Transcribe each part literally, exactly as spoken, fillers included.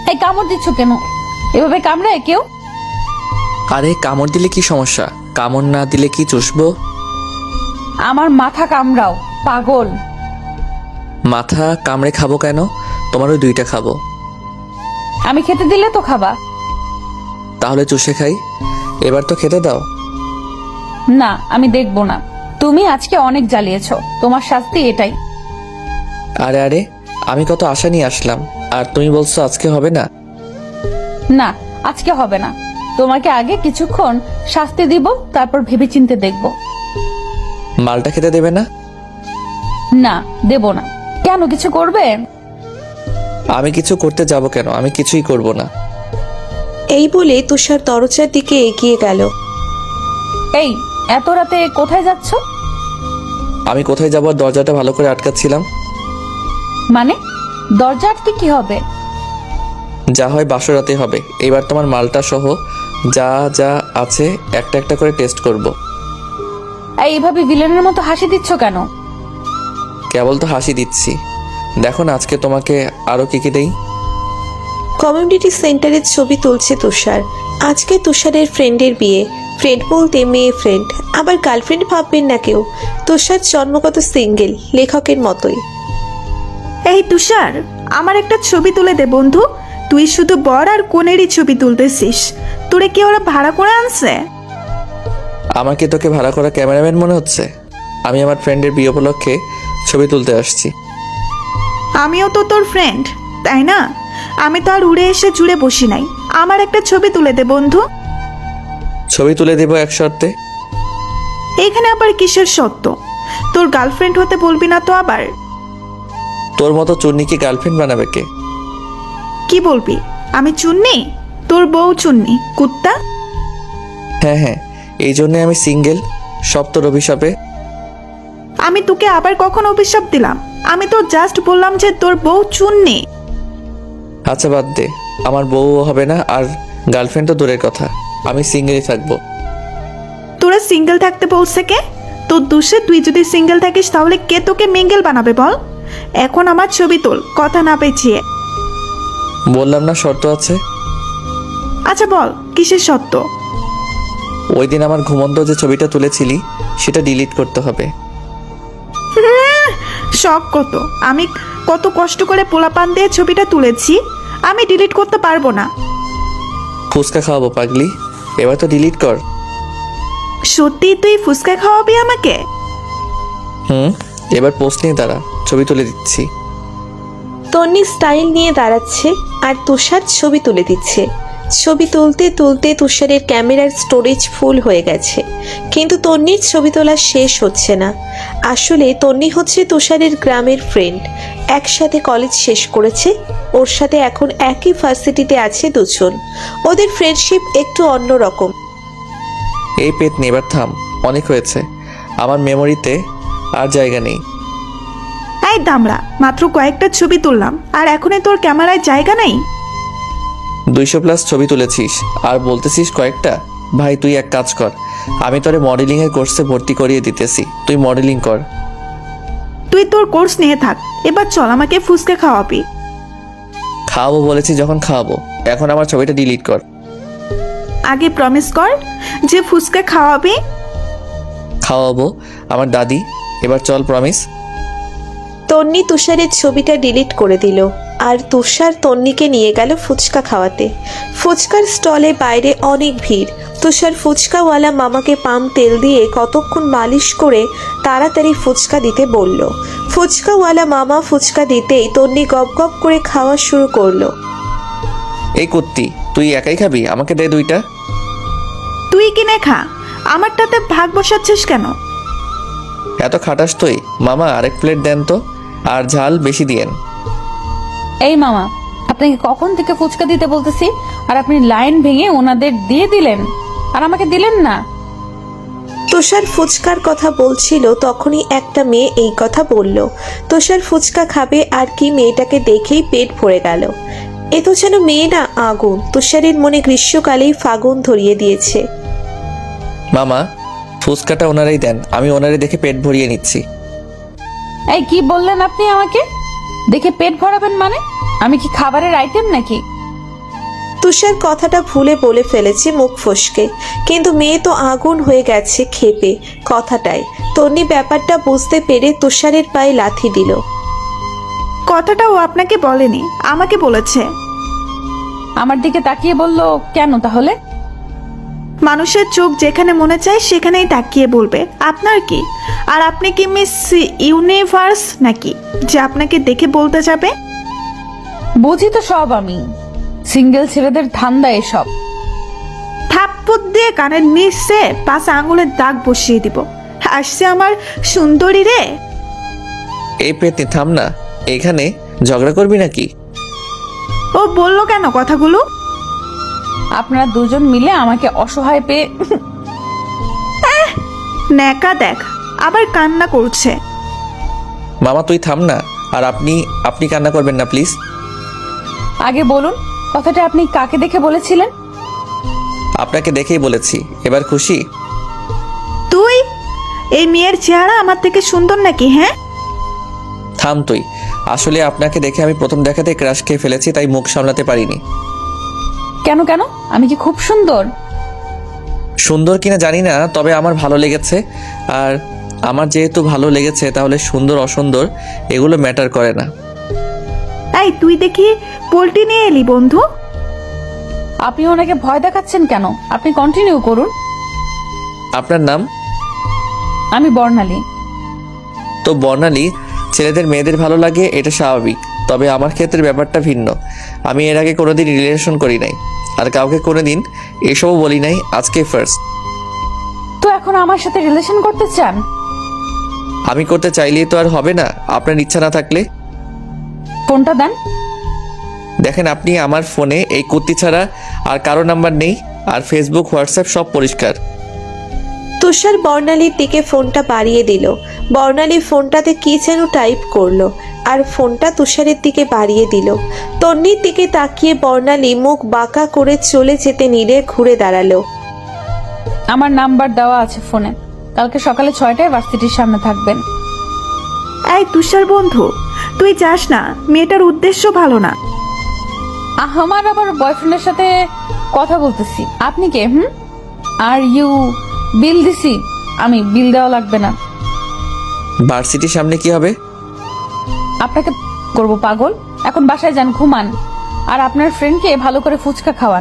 এই কামড় দিচ্ছ কেন? এভাবে কামড়ায় কেউ? আরে কামড় দিলে কি সমস্যা? কামড় না দিলে কি চুষবো? আমার মাথা কামড়াও পাগল। মাথা কামড়ে খাবো কেন? তোমারও দুইটা খাবো। আমি খেতে দিলে তো খাবা। তাহলে চুষে খাই। এবার তো খেতে দাও। না, আমি দেখবো না। তুমি আজকে অনেক জ্বালিয়েছ, তোমার শাস্তি এটাই। আরে আরে, আমি কত আশা নিয়ে আসলাম, আর তুমি বলছো আজকে হবে না? না, আজকে হবে না। তোমাকে আগে কিছুক্ষণ শাস্তি দিব, তারপর ভেবেচিন্তে দেখব। মালটা খেতে দেবে না? না, দেব না। কেন, কিছু করবে? আমি কিছু করতে যাব কেন? আমি কিছুই করব না। এই বলে তুষার দরজার দিকে এগিয়ে গেল। এই এত রাতে কোথায় যাচ্ছ? আমি কোথায় যাবো? দরজাটা ভালো করে আটকাচ্ছিলাম। মানে দরজা আটকে কি হবে? যা হয় বাসরাতে হবে। এবার তোমার মালটা সহ যা যা আছে একটা একটা করে টেস্ট করব। এইভাবে ভিলেনের মতো হাসি দিচ্ছ কেন? কেবল তো হাসি দিচ্ছি। দেখো না আজকে তোমাকে আরো কি কি দেই। কমিউনিটি সেন্টারের ছবি তুলছে তুষার। আজকে তুষারের ফ্রেন্ডের বিয়ে। ফ্রেন্ড বলতে মেয়ে ফ্রেন্ড, আবার গার্লফ্রেন্ড ভাববেন না কেউ। তুষার জন্মগত সিঙ্গেল, লেখকের মতোই। এই তুষার, আমার একটা ছবি তুলে দে বন্ধু। তুই শুধু বর আর কোনেরই ছবি তুলতেছিস। তোরে কি ওরা ভাড়া করে আনছে? আমাকে তোকে ভাড়া করা ক্যামেরাম্যান মনে হচ্ছে? আমি আমার ফ্রেন্ডের বিয়ে উপলক্ষে ছবি তুলতে আসছি। আমিও তো তোর ফ্রেন্ড, তাই না? আমি তো আর উড়ে এসে জুড়ে বসি নাই। আমার একটা ছবি তুলে দে বন্ধু। ছবি তুলে দেবো এক শর্তে। এইখানে আবার কিসের সত্য? তোর গার্লফ্রেন্ড হতে বলবি না তো আবার? তোর মতো চুন্নিকে গার্লফ্রেন্ড বানাবে কে? কি বলবি? আমি চুন্নি? তোর বউ চুন্নি, কুত্তা। হ্যাঁ হ্যাঁ, এই জন্যে আমি সিঙ্গেল। সব তোর অভিশাপে। আমি তোকে আবার কখন অভিশাপ দিলাম? আমি তো জাস্ট বললাম যে তোর বউ চুন্নি। আচ্ছা বাদ দে, আমার বউও হবে না, আর গার্লফ্রেন্ড তো দূরের কথা। আমি সিঙ্গেলই থাকবো। তোরা সিঙ্গেল থাকতে বলছে কে? তোর দোষে তুই যদি সিঙ্গেল থাকিস তাহলে কে তোকে মিঙ্গেল বানাবে বল? এখন আমার ছবি তোল, কথা না পেঁচিয়ে। বললাম না শর্ত আছে। আচ্ছা বল, কিসের সত্য? ওই দিন আমার ঘুমন্ত যে ছবিটা তুলেছিলি সেটা ডিলিট করতে হবে। শখ কত! আমি কত কষ্ট করে পোলাপান দিয়ে ছবিটা তুলেছি, আমি ডিলিট করতে পারবো না। ফুচকা খাওয়াবো পাগলি, এবার তো ডিলিট কর। সত্যি তুই ফুচকা খাওয়াবি আমাকে? হুম, এবার পোস্ট নিয়ে দাঁড়া, ছবি তুলে দিচ্ছি। তন্নি স্টাইল নিয়ে দাঁড়াচ্ছে আর তুষার ছবি তুলে দিচ্ছে। ছবি তুলতে তুলতে তুষারের ক্যামেরার স্টোরেজ ফুল হয়ে গেছে, কিন্তু তন্নির ছবি তোলা শেষ হচ্ছে না। আসলে তন্নি হচ্ছে তুষারের গ্রামের ফ্রেন্ড। একসাথে কলেজ শেষ করেছে। ওর সাথে এখন একই ভার্সিটিতে আছে দুজন। ওদের ফ্রেন্ডশিপ একটু অন্যরকম। এই পেট নে, এবার থাম, অনেক হয়েছে। আমার মেমোরিতে আর জায়গা নেই। এই দামড়া, মাত্র কয়েকটা ছবি তুললাম আর এখনই তোর ক্যামেরায় জায়গা নেই? দুইশো প্লাস ছবি তুলেছিস আর বলতেছিস কয়েকটা? ভাই তুই এক কাজ কর, আমি তোরে মডেলিং এর কোর্সে ভর্তি করিয়ে দিতেছি, তুই মডেলিং কর। তুই তোর কোর্স নিয়ে থাক, এবার চল আমাকে ফুচকা খাওয়াবি। খাওয়াবো বলেছি যখন খাওয়াবো, এখন আমার ছবিটা ডিলিট কর। আগে প্রমিস কর যে ফুচকা খাওয়াবি। খাওয়াবো আমার দাদি, এবার চল প্রমিস। তন্নি তুষারের ছবিটা ডিলিট করে দিল আর তুষার তন্নিকে নিয়ে গেল ফুচকা খাওয়াতে। ফুচকার স্টলে বাইরে অনেক ভিড়। তুষার ফুচকাওয়ালা মামাকে পাম তেল দিয়ে কতক্ষণ মালিশ করে তাড়াতাড়ি ফুচকা দিতে বলল। ফুচকাওয়ালা মামা ফুচকা দিতেই তন্নি গপ গপ করে খাওয়া শুরু করলো। এই কুত্তি, তুই একাই খাবি? আমাকে দে দুইটা। তুই কিনে খা, আমারটাতে ভাগ বসাচ্ছিস কেন? এত খাটাস তুই? মামা আরেক প্লেট দেন তো, আর ঝাল বেশি দিয়েন। এই মামা, আপনাকে কখন থেকে ফুচকা দিতে বলতেছি, আর আপনি লাইন ভেঙে ওনাদের দিয়ে দিলেন আর আমাকে দিলেন না। তুষার ফুচকার কথা বলছিল, তখনই একটা মেয়ে এই কথা বলল। তুষার ফুচকা খাবে আর কি মেয়েটাকে দেখেই পেট ভরে গেল। এ তো যেন মেয়ে না আগুন। তুষারের মনে গ্রীষ্মকালেই ফাগুন ধরিয়ে দিয়েছে। মামা ফুচকাটা ওনারাই দেন, আমি ওনারে দেখে পেট ভরিয়ে নিচ্ছি। এই কি বললেন আপনি? আমাকে দেখে পেট ভরাবেন মানে? আমি কি খাবারের আইটেম নাকি? তুষার কথাটা ভুলে বলে ফেলেছে মুখ ফসকে, কিন্তু মেয়ে তো আগুন হয়ে গেছে ক্ষেপে কথাটায়। তন্নি ব্যাপারটা বুঝতে পেরে তুষারের পায়ে লাথি দিল। কথাটা ও আপনাকে বলেনি, আমাকে বলেছে। আমার দিকে তাকিয়ে বলল কেন তাহলে? মানুষের চোখ যেখানে মনে চায় সেখানেই তাকিয়ে বলবে। আপনার কি? আর আপনি কি মিস ইউনিভার্স নাকি যে আপনাকে দেখে বলতে যাবে? বুঝি তো সব আমি, সিঙ্গেল ছেলেদের ধান্দা এসব। থাপ্পড় দিয়ে কানের নিচে পাঁচ আঙুলের দাগ বসিয়ে দিব। আসছে আমার সুন্দরী রে। এই পেতনি থাম না, এখানে ঝগড়া করবি নাকি? ও বললো কেন কথাগুলো? আপনারা দুজন মিলে আমাকে অসহায় পেয়ে ন্যাকা দেখ, আবার কান্না করছে। মামা তুই থাম না, আর আপনি আপনি কান্না করবেন না প্লিজ। আগে বলুন কথাটা আপনি কাকে দেখে বলেছিলেন? আপনাকে দেখেই বলেছি, এবার খুশি? তুই এই মেয়ের চেহারা আমার থেকে সুন্দর নাকি? হ্যাঁ থাম তুই। আসলে আপনাকে দেখে আমি প্রথম দেখাতে ক্রাশ খেয়ে ফেলেছি, তাই মুখ সামলাতে পারিনি। কেন কেন আমি কি খুব সুন্দর? সুন্দর কিনা জানি না, তবে আমার ভালো লেগেছে। আর আমার যেহেতু ভালো লেগেছে তাহলে সুন্দর অসুন্দর এগুলো ম্যাটার করে না। এই তুই দেখি পোল্ট্রি নিয়ে এলি বন্ধু। আপনি ওনাকে ভয় দেখাচ্ছেন কেন? আপনি কন্টিনিউ করুন। আপনার নাম? আমি বর্ণালী। তো বর্ণালী, ছেলেদের মেয়েদের ভালো লাগে এটা স্বাভাবিক, তবে আমার ক্ষেত্রে ব্যাপারটা ভিন্ন। আমি এর আগে কোনোদিন রিলেশন করি নাই, আর কাউকে কোনোদিন এসবও বলি নাই, আজকে ফার্স্ট। তো এখন আমার সাথে রিলেশন করতে চান? আমি করতে চাইলেই তো আর হবে না, আপনার ইচ্ছা না থাকলে। ফোনটা দেন। দেখেন আপনি আমার ফোনে এই কুর্তি ছাড়া আর কারো নাম্বার নেই, আর ফেসবুক হোয়াটসঅ্যাপ সব পরিষ্কার। তুষার বর্ণালীর দিকে ফোনটা বাড়িয়ে দিল। বর্ণালী ফোনটাতে কি যেন টাইপ করলো আর ফোনটা তুষারের দিকে বাড়িয়ে দিল। তন্নির দিকে তাকিয়ে বর্ণালী মুখ বাঁকা করে চলে যেতে নিলে ঘুরে দাঁড়ালো। আমার নাম্বার দেওয়া আছে ফোনে। কালকে সকালে ছয়টায় ভার্সিটির সামনে থাকবেন। এই তুষার বন্ধু, তুই যাস না, মেয়েটার উদ্দেশ্য ভালো না। আমার আবার বয়ফ্রেন্ডের সাথে কথা বলতেছি। আপনি কে? হুম আর ইউ বিল দিছি আমি, বিল দেওয়া লাগবে না। ভার্সিটির সামনে কি হবে? আপনাকে করব পাগল। এখন বাসায় যান, ঘুমান, আর আপনার ফ্রেন্ডকে ভালো করে ফুচকা খাওয়ান।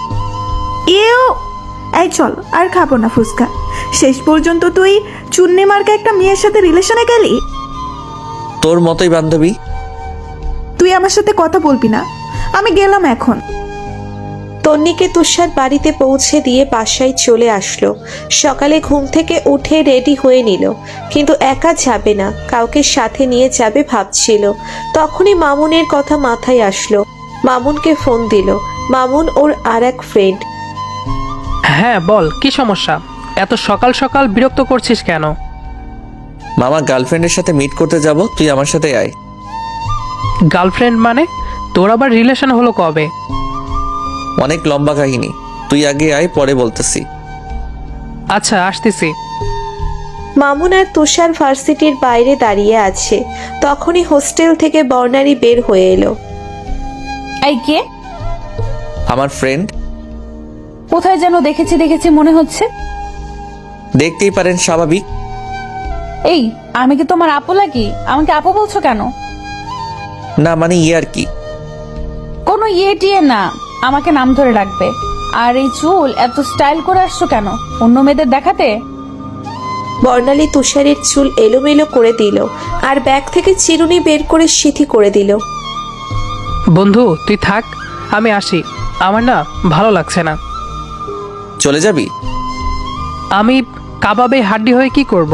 এও এই চল, আর খাবো না ফুচকা। শেষ পর্যন্ত তুই চুন্নি মার্কা একটা মেয়ের সাথে রিলেশনে গেলি। তোর মতোই বান্ধবী। তুই আমার সাথে কথা বলবি না, আমি গেলাম এখন। তন্নিকে তুষার বাড়িতে পৌঁছে দিয়ে বাসায় চলে আসলো। সকালে ঘুম থেকে উঠে রেডি হয়ে নিল, কিন্তু একা যাবে না, কাউকে সাথে নিয়ে যাবে ভাবছিল। তখনই মামুনের কথা মাথায় আসলো। মামুনকে ফোন দিল। মামুন ওর আর এক ফ্রেন্ড। হ্যাঁ বল, কি সমস্যা? এত সকাল সকাল বিরক্ত করছিস কেন? মামা গার্লফ্রেন্ডের সাথে মিট করতে যাব, তুই আমার সাথে আয়। গার্লফ্রেন্ড মানে? তোর আবার রিলেশন হলো কবে? অনেক লম্বা কাহিনী, তুই আগে আয়, পরে বলতেছি। আচ্ছা আসতেছি। মামুন আর তুষার ভার্সিটির বাইরে দাঁড়িয়ে আছে। তখনই হোস্টেল থেকে বর্ণালী বের হয়ে এলো। এই কে? আমার ফ্রেন্ড। কোথায় যেন দেখেছি দেখেছি মনে হচ্ছে। দেখতেই পারেন, স্বাভাবিক। এই আমি কি তোমার আপু লাগি? আমাকে আপু বলছো কেন? না মানে ইয়ে আর কি। কোনো ইয়ে টিয়ে না, আমাকে নাম ধরে রাখবে। আর এই চুল এত স্টাইল করে আসছো কেন? অন্য মেয়েদের দেখাতে? বর্ণালী তুষারের চুল এলোমেলো করে দিল আর ব্যাগ থেকে চিরুনি বের করে সিথি করে দিল। বন্ধু তুই থাক, আমি আসি। আমার না ভালো লাগছে না। চলে যাবি? আমি কাবাবে হাড্ডি হয়ে কি করব?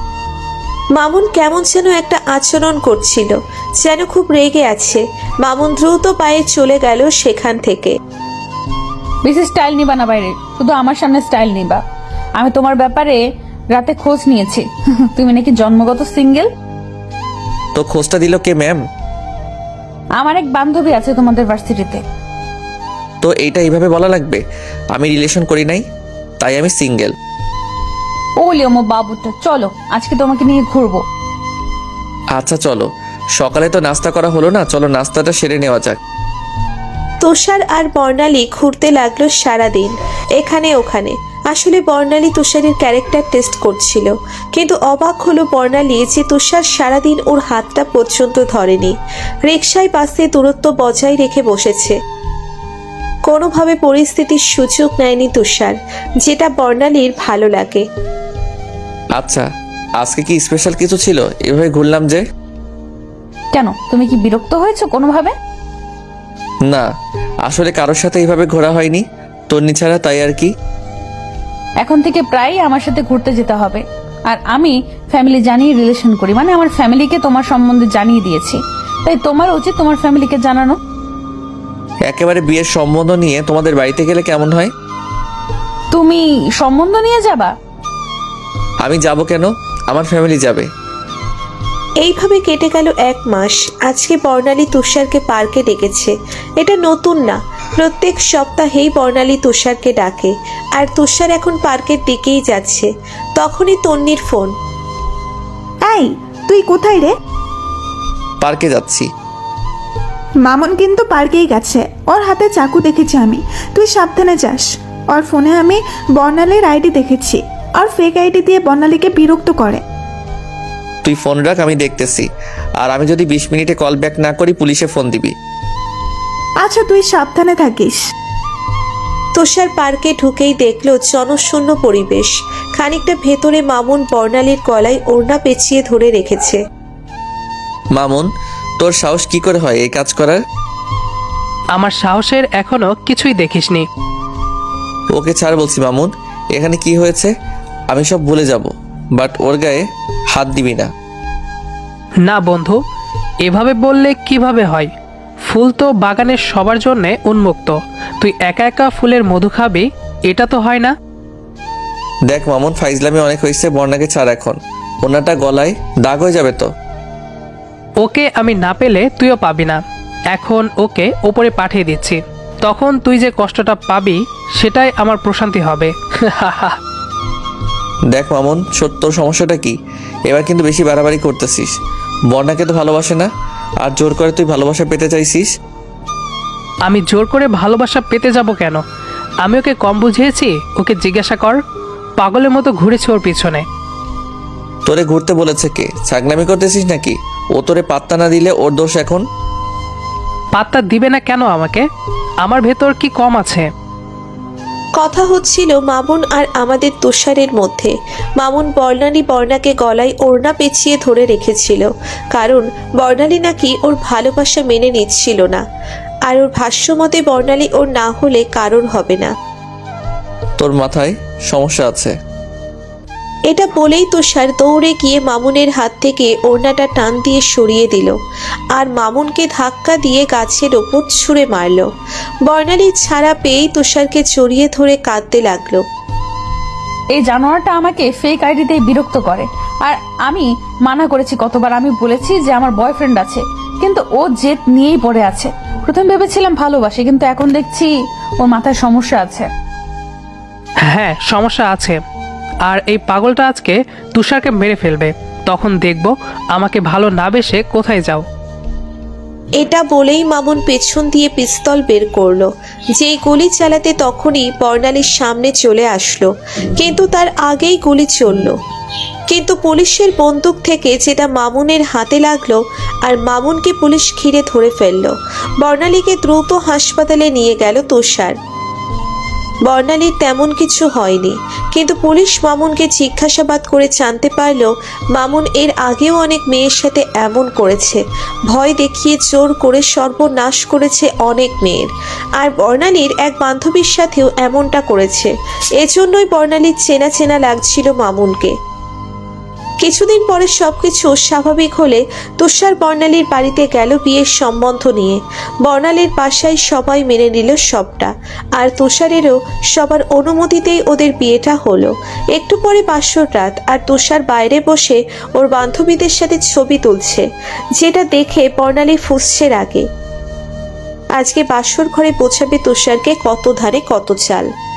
মামুন কেমন যেন একটা আচরণ করছিল, যেন খুব রেগে আছে। মামুন দ্রুত পায়ে চলে গেল সেখান থেকে। বেশি স্টাইল নিবা না বাইরে, শুধু আমার সামনে স্টাইল নিবা। আমি তোমার ব্যাপারে রাতে খোঁজ নিয়েছি। তুমি নাকি জন্মগত সিঙ্গেল। তো খোঁজটা দিল কে ম্যাম? আমার এক বান্ধবী আছে তোমাদের ভার্সিটিতে। তো এইটা এইভাবে বলা লাগবে? আমি রিলেশন করি নাই, তাই আমি সিঙ্গেল। ওলি ওমো বাবুটা, চলো আজকে তোমাকে নিয়ে ঘুরবো। আচ্ছা চলো, সকালে তো নাস্তা করা হলো না, চলো নাস্তাটা সেরে নেওয়া যাক। তুষার আর বর্ণালী ঘুরতে লাগলো সারাদিন এখানে ওখানে। আসলে বর্ণালী তুষারের ক্যারেক্টার টেস্ট করছিল, কিন্তু অবাক হলো বর্ণালী যে তুষার সারাদিন ওর হাতটা পর্যন্ত ধরেনি। রিকশায় বাসে দূরত্ব বজায় রেখে বসেছে, কোনোভাবে পরিস্থিতির সুযোগ নেয়নি তুষার, যেটা বর্ণালীর ভালো লাগে। আচ্ছা, আজকে কি স্পেশাল কিছু ছিল এভাবে ঘুরলাম যে? কেন, তুমি কি বিরক্ত হয়েছো কোনোভাবে? না, আসলে কারোর সাথে এইভাবে ঘোরা হয়নি, তন্নি ছাড়া, তাই আর কি। এখন থেকে প্রায় আমার সাথে ঘুরতে যেতে হবে। আর আমি ফ্যামিলি জানিয়ে রিলেশন করি, মানে আমার ফ্যামিলিকে তোমার সম্বন্ধে জানিয়ে দিয়েছি, তাই তোমার উচিত তোমার ফ্যামিলিকে জানানো। একেবারে বিয়ের সম্বন্ধ নিয়ে তোমাদের বাড়িতে গেলে কেমন হয়? তুমি সম্বন্ধ নিয়ে যাবা? আমি যাব কেন, আমার ফ্যামিলি যাবে। এইভাবে কেটে গেল এক মাস। আজকে বর্ণালী তুষারকে পার্কে ডেকেছে। এটা নতুন না, প্রত্যেক সপ্তাহেই বর্ণালী তুষারকে ডাকে, আর তুষার এখন পার্কের দিকেই যাচ্ছে। তখনই তন্নির ফোন। এই, তুই কোথায় রে? পার্কে যাচ্ছি। মামুন কিন্তু পার্কেই গেছে, ওর হাতে চাকু দেখেছি আমি, তুই সাবধানে যাস। ওর ফোনে আমি বর্ণালীর আইডি দেখেছি, আর ফেক আইডি দিয়ে বর্ণালীকে বিরক্ত করে। তুই ফোন রাখ, আমি দেখতেছি। আর আমি যদি বিশ মিনিটে কল ব্যাক না করি পুলিশে ফোন দিবি। আচ্ছা, তুই সাবধানে থাকিস। তুষার পার্কে ঢুকেই দেখলো জনশূন্য পরিবেশ। খানিকটা ভেতরে মামুন বর্ণালীর গলায় ওড়না পেঁচিয়ে ধরে রেখেছে। মামুন, তোর সাহস কি করে হয় এই কাজ করার? আমার সাহসের এখনো কিছুই দেখিসনি। ওকে ছাড় বলছি মামুন, এখানে কি হয়েছে আমি সব ভুলে যাব, বাট ওর গায়ে হাত দিবি না। না বন্ধু, এভাবে বললে কিভাবে হয়? ফুল তো বাগানের সবার জন্যে উন্মুক্ত, তুই একা একা ফুলের মধু খাবি, এটা তো হয় না। দেখ মামুন, ফাইজলামি অনেক হয়েছে, বর্ণাকে ছাড় এখন, ওনাটা গলায় দাগ হয়ে যাবে তো। ওকে আমি না পেলে তুইও পাবি না। এখন ওকে ওপরে পাঠিয়ে দিচ্ছি, তখন তুই যে কষ্টটা পাবি সেটাই আমার প্রশান্তি হবে। দেখ মামুন, সত্য সমস্যাটা কি? এবার কিন্তু বেশি বাড়াবাড়ি করতেছিস। বর্ণাকে তো ভালোবাসে না, আর জোর করে তুই ভালোবাসা পেতে চাইছিস। আমি জোর করে ভালোবাসা পেতে যাব কেন? আমি ওকে কম বুঝিয়েছি? ওকে জিজ্ঞাসা কর, পাগলের মতো ঘুরেছে ওর পিছনে। তোরে ঘুরতে বলেছে কে? ছাগলামি করতেছিস নাকি? ও তোরে পাত্তা না দিলে ওর দোষ এখন? পাত্তা দিবে না কেন আমাকে? আমার ভেতর কি কম আছে? কথা হচ্ছিল মামুন আর আমাদের তুষারের মধ্যে। মামুন বর্ণালী বর্ণাকে গলায় ওড়না পেঁচিয়ে ধরে রেখেছিল, কারণ বর্ণালী নাকি ওর ভালোবাসা মেনে নিচ্ছিল না, আর ওর ভাষ্যমতে বর্ণালী ওর না হলে কারোর হবে না। তোর মাথায় সমস্যা আছে। এটা বলেই তুষার দৌড়ে গিয়ে মামুনের হাত থেকে ওড়নাটা টান দিয়ে সরিয়ে দিল, আর মামুনকে ধাক্কা দিয়ে গাছের ওপর ছুঁড়ে মারল। বর্ণালী ছাড়া পেয়েই তুষারকে জড়িয়ে ধরে কাঁদতে লাগলো। এই জানোয়ারটা আমাকে ফেক আইডিতে বিরক্ত করে, আর আমি মানা করেছি কতবার, আমি বলেছি যে আমার বয়ফ্রেন্ড আছে, কিন্তু ও জেদ নিয়েই পড়ে আছে। প্রথম ভেবেছিলাম ভালোবাসে, কিন্তু এখন দেখছি ওর মাথায় সমস্যা আছে। হ্যাঁ, সমস্যা আছে। আর এই পাগলটা আজকে তুষারকে মেরে ফেলবে, তখন দেখব আমাকে ভালো না বেসে কোথায় যাও। এটা বলেই মামুন পেছন দিয়ে পিস্তল বের করলো। যেই গুলি চালাতে তখনই বর্ণালীর সামনে চলে আসলো, কিন্তু তার আগেই গুলি চললো। কিন্তু পুলিশের বন্দুক থেকে যেটা মামুনের হাতে লাগলো, আর মামুনকে পুলিশ ঘিরে ধরে ফেললো। বর্ণালীকে দ্রুত হাসপাতালে নিয়ে গেল তুষার। বর্ণালীর তেমন কিছু হয়নি, কিন্তু পুলিশ মামুনকে জিজ্ঞাসাবাদ করে জানতে পারল মামুন এর আগেও অনেক মেয়ের সাথে এমন করেছে, ভয় দেখিয়ে জোর করে সর্বনাশ করেছে অনেক মেয়ের। আর বর্ণালীর এক বান্ধবীর সাথেও এমনটা করেছে। এজন্যই বর্ণালীর চেনা চেনা লাগছিল মামুনকে। কিছুদিন পরে সবকিছু স্বাভাবিক হলে তুষার বর্ণালীর বাড়িতে গেল বিয়ের সম্বন্ধ নিয়ে। বর্ণালীর বাসায় সবাই মেনে নিল সবটা, আর তুষারেরও সবার অনুমতিতেই ওদের বিয়েটা হলো। একটু পরে বাসর রাত, আর তুষার বাইরে বসে ওর বান্ধবীদের সাথে ছবি তুলছে, যেটা দেখে বর্ণালী ফুঁসছে রাগে। আজকে বাসর ঘরে পৌঁছাবে তুষারকে কত ধারে কত চাল।